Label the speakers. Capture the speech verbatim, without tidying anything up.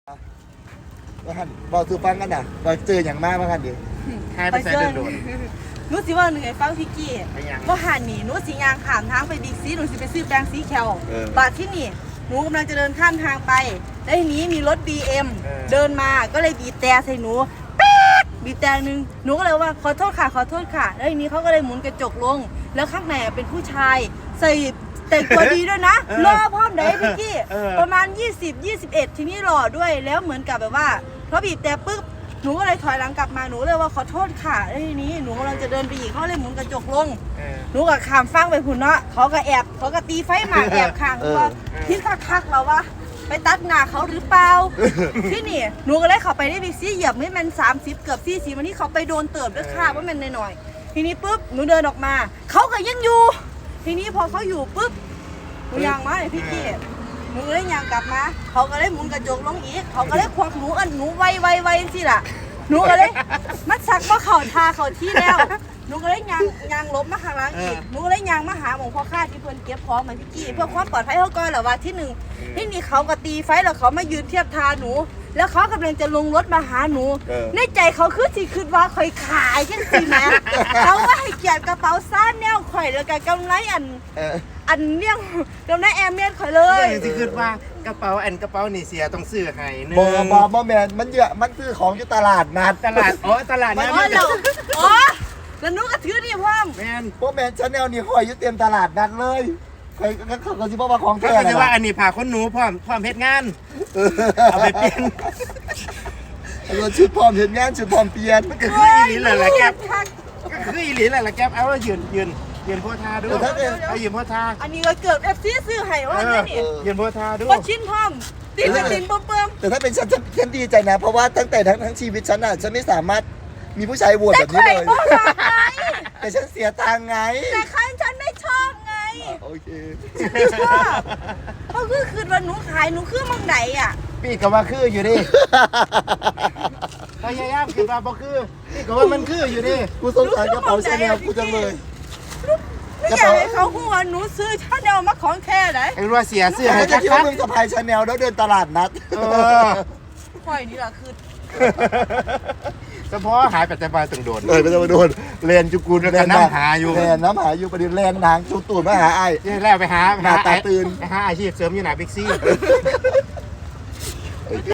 Speaker 1: ว่าหันบอกสู่ฟังกันนะบอกเจออย่างมากว่าหันดิหายไปใส่เดินโดน
Speaker 2: หนูสิว่าหนึ่งไอ้ฟังพี่กี้ว่าหันนี่หนูสิยางข้ามทางไปบิ๊กซีหนูสิไปซื้อแปรงสีแคลบาทที่นี่หนูกำลังจะเดินข้ามทางไปแล้วทีนี้มีรถ บี เอ็ม เดินมาก็เลยบีบแต่ใส่หนูป๊ดบีบแต่หนึ่งหนูก็เลยว่าขอโทษค่ะขอโทษค่ะแล้วทีนี้เขาก็เลยหมุนกระจกลงแล้วข้างในเป็นผู้ชายใส่แต่งตัวดีด้วยนะรอพร้อมไหนพี่กี้ประมาณยี่สิบ ยี่สิบเอ็ดทีนี้หล่อด้วยแล้วเหมือนกับแบบว่าเพราะบีบแต่ปึ๊บหนูก็เลยถอยหลังกลับมาหนูเลยว่าขอโทษค่ะแล้วทีนี้หนูกำลังจะเดินไปอีกเขาเลยหมุนกระจกลงหนูก็ขามฟังไปพุ่นเนาะเขาก็แอบเขาก็ตีไฟหมากแอบข้างว่าที่คักๆเราว่าไปตัดหน้าเขาหรือเปล่าที่นี่หนูก็เลยเข้าไปได้บิ๊กซี่เหยียบไม่มันสามสิบเกือบสี่สิบวันนี้เขาไปโดนเติบด้วยค่ะว่ามันหน่อยๆทีนี้ปุ๊บหนูเดินออกมาเขาก็ยังอยู่ทีนี้พอเขาอยู่ปุ๊บหนูยางมาเลยพี่กี้หนูเลยยางกลับมาเขาก็เลยหมุนกระจกลงอีกเขาก็เลยควักหนูอันหนูไวไวไวสิล่ะหนูก็เลยมัดซักว่าเขาทาเขาที่แล้วหนูก็เลยยางยางลบมาข้างหลังอีกหนูก็เลยยางมาหาหมองพ่อข้าที่เพิ่นเก็บของเหมือนพี่กี้เพื่อความปลอดภัยเขาก่อนเหรอว่าที่หนึ่งที่นี่เขาก็ตีไฟแล้วเขามายืนเทียบทาหนูแล้วเขากำลังจะลงรถมาหาหนูในใจเขาคือสิคือว่าคอยขายจังสิแม่เขาว่าให้เกียรติกระเป๋าซ่านแนวข่อยแล้วกันกำไรอันอันเลี้ยงกำไรแอมเมียนข่อยเลย
Speaker 3: สิคือว่ากระเป๋าอันกระเป๋านี่เสียต้องซื้อให้นึง
Speaker 1: บอบอบอแมนมันเยอะมันซื้อของอยู่ตลาดนัด
Speaker 3: ตลาดอ๋อตลาดนั้น
Speaker 2: อ๋อเราอ๋อแล้วหนูก็ถือนี่พ่อม
Speaker 3: แมน
Speaker 1: พวกแมนชาแนลนี่ห้อยอยู่เต็มตลาดนัดเลยใครก็เขาก็สิบอกว่าของ
Speaker 3: ก็
Speaker 1: แท้
Speaker 3: คือว่าอันนี้ผ่าคนหนูพร้อมพร้อมเฮ็ดงานเอาไปเปลี่ยน
Speaker 1: เราชุดพร้อมเห็นงานชุดพร้อมเปลี่ยน
Speaker 3: ก็คืออีหลีแหละแหละแก๊ปก็คืออีหลีแหละแหละแก๊ปเอาว่ายืนยืนยืนโพธาด้วยเอายืนโพธา
Speaker 2: อันนี้ก็เกือบเอฟซีซื้อให้ว่าเนี่ยนี่
Speaker 3: ยืนโพธาด้วย
Speaker 2: ว่าชิ้นพ่อมตีนตีนเบิ่ม
Speaker 1: แต่ถ้าเป็นฉันฉันฉันดีใจนะ เพราะว่าตั้งแต่ทั้งทั้งชีวิตฉันอ่ะฉันไม่สามารถมีผู้ชายโหวต
Speaker 2: แต่
Speaker 1: แบบนี้
Speaker 2: ข่อย
Speaker 1: เลย
Speaker 2: บ่ชอบไง
Speaker 1: แต่ฉันเสียตังค์ไง
Speaker 2: แต่ใครฉันไม่ชอบไง
Speaker 1: โอเค
Speaker 2: ฉันไม่ชอบเพราะคือคืนวันหนูขายหนูคือมังไหนอ่ะ
Speaker 3: พี่ก็ว่าคืออยู่ดิพยายามคิดว่าบ่คือพี่ก็ว่ามันคืออยู่ดิ
Speaker 1: กูสงสารกระเป๋าชาแนลกูจังเลย
Speaker 2: ไม่อยากให้เขาพูดว่าหนูซื้อชาแนลมาของแท้ไหน
Speaker 3: ไอ้รัวเสียเสื้อ
Speaker 1: แต่
Speaker 3: ให้
Speaker 1: ก็จะ
Speaker 3: คั
Speaker 1: คิด
Speaker 3: ก
Speaker 1: ว่ามึงสะพายชาแนลแล้วเดินตลาดนัด
Speaker 3: เออ
Speaker 2: ข่อยนี่แหละคือ
Speaker 3: เฉพาะหายปัจจุบันตึงโดน
Speaker 1: เออไม่ต้องมาโดน
Speaker 3: เรียนจุกุลแล้วก็น้ำหาอยู่
Speaker 1: แลนน้ำหาอยู่ประเด็นแลนทางชุดตูดมาหาไอ้
Speaker 3: นี่แล้วไปหา
Speaker 1: หน้าตาตื่น
Speaker 3: ไปหาอาชีพเสริมอยู่หน้าบิ๊กซี่